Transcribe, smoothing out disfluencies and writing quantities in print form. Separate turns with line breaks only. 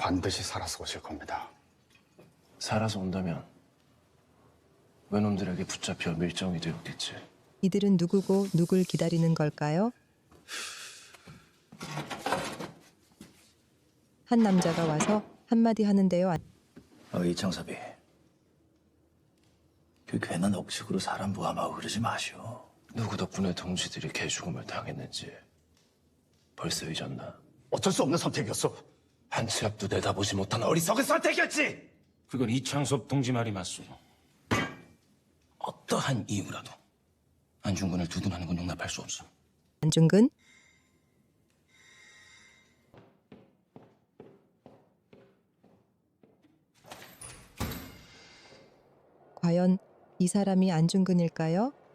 반드시 살아서 오실 겁니다.
살아서 온다면 외놈들에게 붙잡혀 밀정이 되었겠지.
이들은 누구고 누굴 기다리는 걸까요? 한 남자가 와서 한마디 하는데요.
이창섭이, 그 괜한 억측으로 사람 모함하고 그러지 마시오.
누구 덕분에 동지들이 개죽음을 당했는지 벌써 잊었나?
어쩔 수 없는 선택이었어.
한 치 앞도 내다보지 못한 어리석은 선택이었지!
그건 이창섭 동지 말이 맞소.
어떠한 이유라도 안중근을 두둔하는 건 용납할 수 없어.
안중근? 과연 이 사람이 안중근일까요?